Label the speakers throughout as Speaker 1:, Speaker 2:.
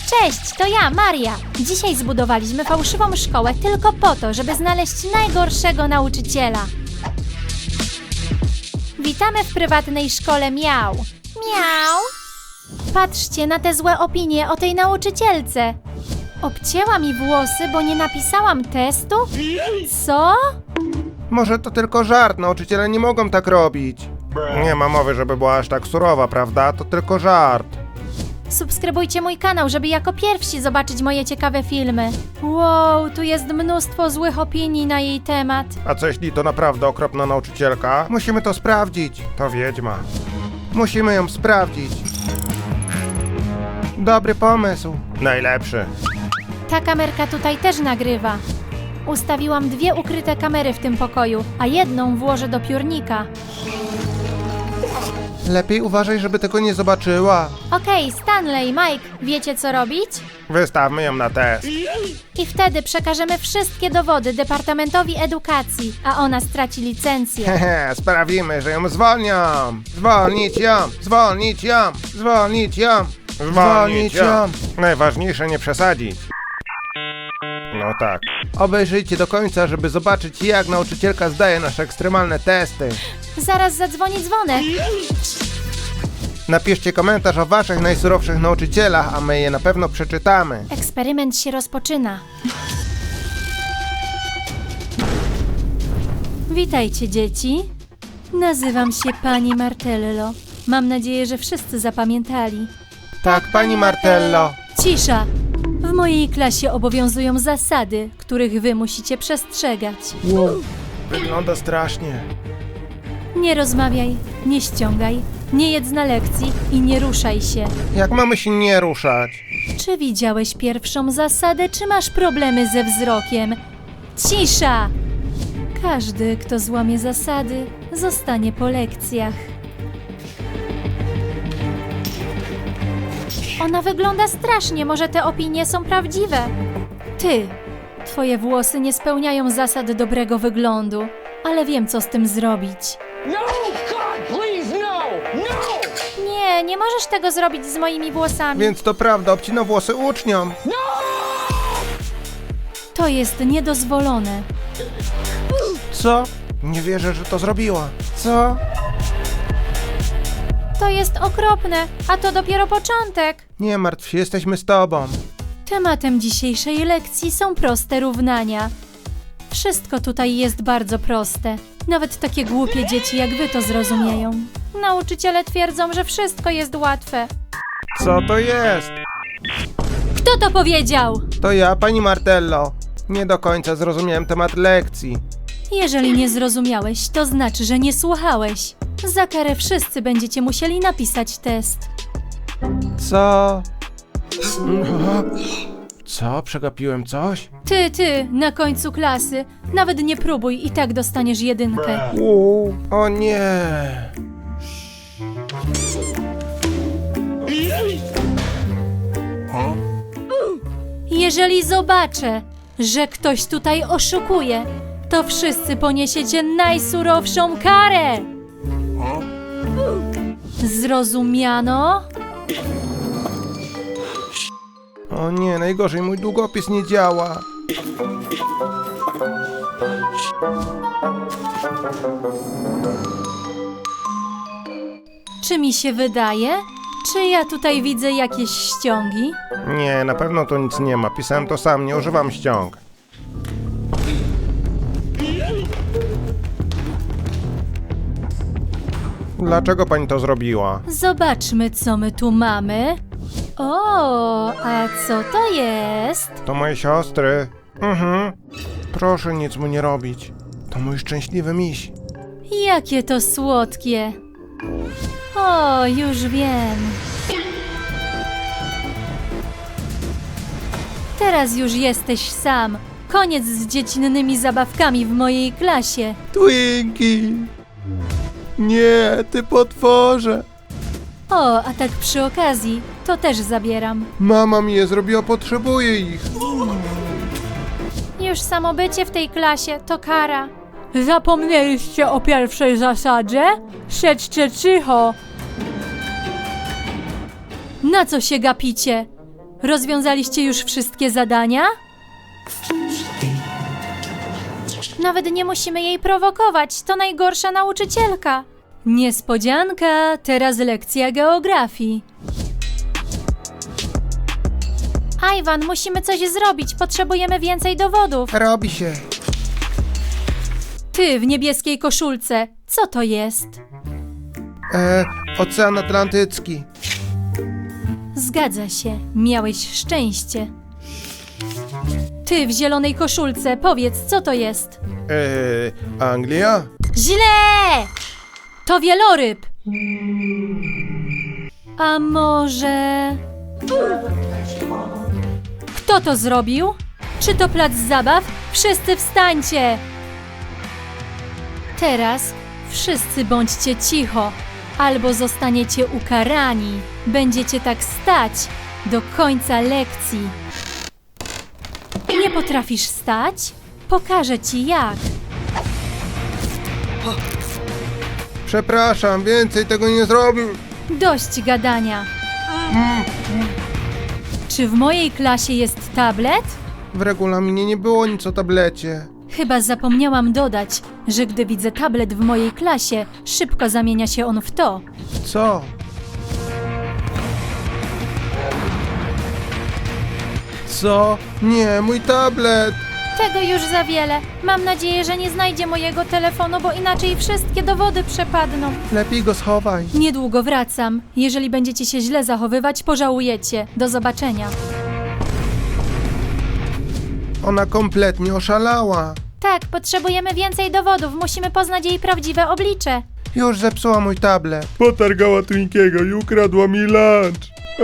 Speaker 1: Cześć, to ja, Maria. Dzisiaj zbudowaliśmy fałszywą szkołę tylko po to, żeby znaleźć najgorszego nauczyciela. Witamy w prywatnej szkole Miau. Miau. Patrzcie na te złe opinie o tej nauczycielce. Obcięła mi włosy, bo nie napisałam testu? Co?
Speaker 2: Może to tylko żart, nauczyciele nie mogą tak robić. Nie ma mowy, żeby była aż tak surowa, prawda? To tylko żart.
Speaker 1: Subskrybujcie mój kanał, żeby jako pierwsi zobaczyć moje ciekawe filmy. Wow, tu jest mnóstwo złych opinii na jej temat.
Speaker 2: A co jeśli to naprawdę okropna nauczycielka? Musimy to sprawdzić. To wiedźma. Musimy ją sprawdzić. Dobry pomysł. Najlepszy.
Speaker 1: Ta kamerka tutaj też nagrywa. Ustawiłam 2 ukryte kamery w tym pokoju, a jedną włożę do piórnika.
Speaker 2: Lepiej uważaj, żeby tego nie zobaczyła.
Speaker 1: Okej, Stanley, Mike, wiecie co robić?
Speaker 2: Wystawmy ją na test.
Speaker 1: I wtedy przekażemy wszystkie dowody Departamentowi Edukacji, a ona straci licencję.
Speaker 2: Hehe, sprawimy, że ją zwolnią. Zwolnić ją, zwolnić ją, zwolnić ją, zwolnić ją. Najważniejsze nie przesadzić. No tak. Obejrzyjcie do końca, żeby zobaczyć, jak nauczycielka zdaje nasze ekstremalne testy.
Speaker 1: Zaraz zadzwoni dzwonek.
Speaker 2: Napiszcie komentarz o waszych najsurowszych nauczycielach, a my je na pewno przeczytamy.
Speaker 1: Eksperyment się rozpoczyna. Witajcie, dzieci. Nazywam się pani Martello. Mam nadzieję, że wszyscy zapamiętali.
Speaker 2: Tak, pani Martello.
Speaker 1: Cisza! W mojej klasie obowiązują zasady, których wy musicie przestrzegać.
Speaker 2: Wow, wygląda strasznie.
Speaker 1: Nie rozmawiaj, nie ściągaj, nie jedz na lekcji i nie ruszaj się.
Speaker 2: Jak mamy się nie ruszać?
Speaker 1: Czy widziałeś pierwszą zasadę, czy masz problemy ze wzrokiem? Cisza! Każdy, kto złamie zasady, zostanie po lekcjach. Ona wygląda strasznie, może te opinie są prawdziwe. Ty, twoje włosy nie spełniają zasad dobrego wyglądu, ale wiem, co z tym zrobić.
Speaker 3: No! God, please, no! No!
Speaker 1: Nie możesz tego zrobić z moimi włosami.
Speaker 2: Więc to prawda, obcina włosy uczniom.
Speaker 1: To jest niedozwolone.
Speaker 2: Co? Nie wierzę, że to zrobiła. Co?
Speaker 1: To jest okropne, a to dopiero początek.
Speaker 2: Nie martw się, jesteśmy z tobą.
Speaker 1: Tematem dzisiejszej lekcji są proste równania. Wszystko tutaj jest bardzo proste. Nawet takie głupie dzieci jak wy to zrozumieją. Nauczyciele twierdzą, że wszystko jest łatwe.
Speaker 2: Co to jest?
Speaker 1: Kto to powiedział?
Speaker 2: To ja, pani Martello. Nie do końca zrozumiałem temat lekcji.
Speaker 1: Jeżeli nie zrozumiałeś, to znaczy, że nie słuchałeś. Za karę wszyscy będziecie musieli napisać test.
Speaker 2: Co? Co? Przegapiłem coś?
Speaker 1: Ty, na końcu klasy. Nawet nie próbuj, i tak dostaniesz 1.
Speaker 2: O nie!
Speaker 1: Jeżeli zobaczę, że ktoś tutaj oszukuje, to wszyscy poniesiecie najsurowszą karę! Zrozumiano?
Speaker 2: O nie, najgorzej, mój długopis nie działa.
Speaker 1: Czy mi się wydaje? Czy ja tutaj widzę jakieś ściągi?
Speaker 2: Nie, na pewno tu nic nie ma. Pisałem to sam, nie używam ściąg. Dlaczego pani to zrobiła?
Speaker 1: Zobaczmy, co my tu mamy. O, a co to jest?
Speaker 2: To moje siostry. Proszę nic mu nie robić. To mój szczęśliwy miś.
Speaker 1: Jakie to słodkie. O, już wiem. Teraz już jesteś sam. Koniec z dziecinnymi zabawkami w mojej klasie.
Speaker 2: Twinkie! Nie, ty potworze!
Speaker 1: O, a tak przy okazji, to też zabieram.
Speaker 2: Mama mi je zrobiła, potrzebuję ich.
Speaker 1: Już samo bycie w tej klasie to kara. Zapomnieliście o pierwszej zasadzie? Siedźcie cicho. Na co się gapicie? Rozwiązaliście już wszystkie zadania? Nawet nie musimy jej prowokować, to najgorsza nauczycielka. Niespodzianka, teraz lekcja geografii. Iwan, musimy coś zrobić, potrzebujemy więcej dowodów.
Speaker 2: Robi się.
Speaker 1: Ty w niebieskiej koszulce, co to jest?
Speaker 2: Ocean Atlantycki.
Speaker 1: Zgadza się, miałeś szczęście. Ty w zielonej koszulce, powiedz, co to jest?
Speaker 2: Anglia?
Speaker 1: Źle! To wieloryb. A może... Kto to zrobił? Czy to plac zabaw? Wszyscy wstańcie! Teraz wszyscy bądźcie cicho, albo zostaniecie ukarani. Będziecie tak stać do końca lekcji. Nie potrafisz stać? Pokażę ci jak.
Speaker 2: Przepraszam, więcej tego nie zrobił.
Speaker 1: Dość gadania. Czy w mojej klasie jest tablet?
Speaker 2: W regulaminie nie było nic o tablecie.
Speaker 1: Chyba zapomniałam dodać, że gdy widzę tablet w mojej klasie, szybko zamienia się on w to.
Speaker 2: Co? Co? Nie, mój tablet!
Speaker 1: Tego już za wiele. Mam nadzieję, że nie znajdzie mojego telefonu, bo inaczej wszystkie dowody przepadną.
Speaker 2: Lepiej go schowaj.
Speaker 1: Niedługo wracam. Jeżeli będziecie się źle zachowywać, pożałujecie. Do zobaczenia.
Speaker 2: Ona kompletnie oszalała.
Speaker 1: Tak, potrzebujemy więcej dowodów. Musimy poznać jej prawdziwe oblicze.
Speaker 2: Już zepsuła mój tablet.
Speaker 4: Potargała Twinkiego i ukradła mi lunch.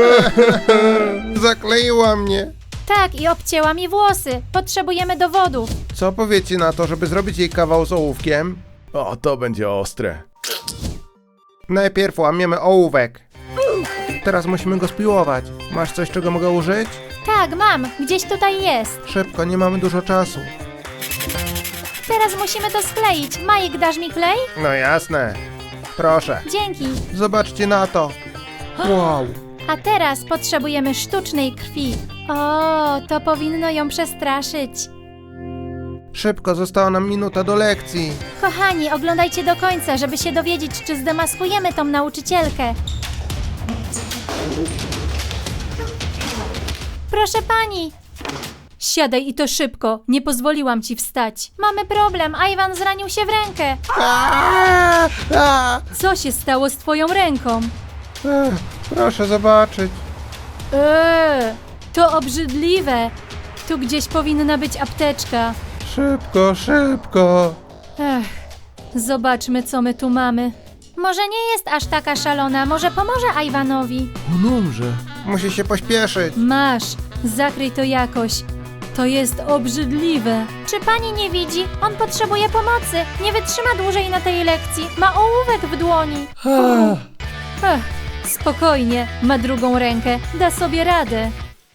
Speaker 2: Zakleiła mnie.
Speaker 1: Tak, i obcięła mi włosy. Potrzebujemy dowodów.
Speaker 2: Co powiecie na to, żeby zrobić jej kawał z ołówkiem?
Speaker 4: O, to będzie ostre.
Speaker 2: Najpierw łamiemy ołówek. Teraz musimy go spiłować. Masz coś, czego mogę użyć?
Speaker 1: Tak, mam. Gdzieś tutaj jest.
Speaker 2: Szybko, nie mamy dużo czasu.
Speaker 1: Teraz musimy to skleić. Majek, dasz mi klej?
Speaker 2: No jasne. Proszę.
Speaker 1: Dzięki.
Speaker 2: Zobaczcie na to. Wow.
Speaker 1: A teraz potrzebujemy sztucznej krwi. O, to powinno ją przestraszyć.
Speaker 2: Szybko, została nam minuta do lekcji.
Speaker 1: Kochani, oglądajcie do końca, żeby się dowiedzieć, czy zdemaskujemy tą nauczycielkę. Proszę pani. Siadaj i to szybko. Nie pozwoliłam ci wstać. Mamy problem. Iwan zranił się w rękę. Co się stało z twoją ręką?
Speaker 2: Proszę zobaczyć.
Speaker 1: To obrzydliwe. Tu gdzieś powinna być apteczka.
Speaker 2: Szybko, szybko.
Speaker 1: Zobaczmy, co my tu mamy. Może nie jest aż taka szalona, może pomoże Iwanowi.
Speaker 2: On umrze. Musi się pośpieszyć.
Speaker 1: Masz, zakryj to jakoś. To jest obrzydliwe. Czy pani nie widzi? On potrzebuje pomocy. Nie wytrzyma dłużej na tej lekcji. Ma ołówek w dłoni. Spokojnie, ma drugą rękę. Da sobie radę.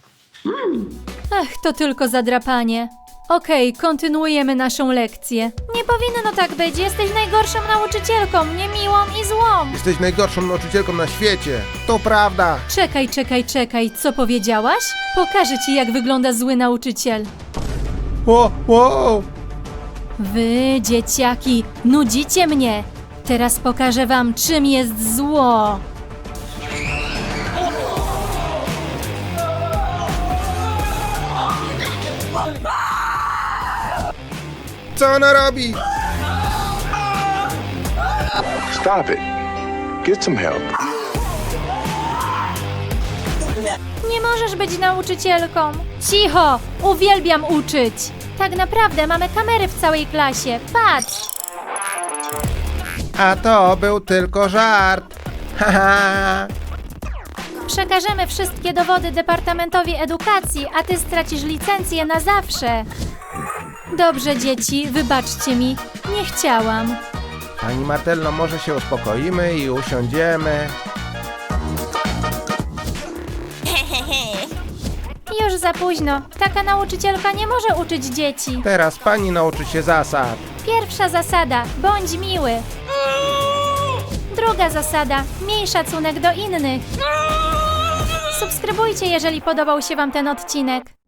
Speaker 1: To tylko zadrapanie. Okej, kontynuujemy naszą lekcję. Nie powinno tak być. Jesteś najgorszą nauczycielką, niemiłą i złą.
Speaker 2: Jesteś najgorszą nauczycielką na świecie. To prawda.
Speaker 1: Czekaj, co powiedziałaś? Pokażę ci, jak wygląda zły nauczyciel.
Speaker 2: Wow.
Speaker 1: Wy, dzieciaki, nudzicie mnie. Teraz pokażę wam, czym jest zło.
Speaker 2: Co ona robi?
Speaker 5: Stop it. Get some help.
Speaker 1: Nie możesz być nauczycielką. Cicho! Uwielbiam uczyć. Tak naprawdę mamy kamery w całej klasie. Patrz!
Speaker 2: A to był tylko żart. Haha.
Speaker 1: Przekażemy wszystkie dowody Departamentowi Edukacji, a ty stracisz licencję na zawsze. Dobrze, dzieci, wybaczcie mi. Nie chciałam.
Speaker 2: Pani Martello, może się uspokoimy i usiądziemy.
Speaker 1: Już za późno. Taka nauczycielka nie może uczyć dzieci.
Speaker 2: Teraz pani nauczy się zasad.
Speaker 1: Pierwsza zasada. Bądź miły. Druga zasada. Miej szacunek do innych. Subskrybujcie, jeżeli podobał się Wam ten odcinek.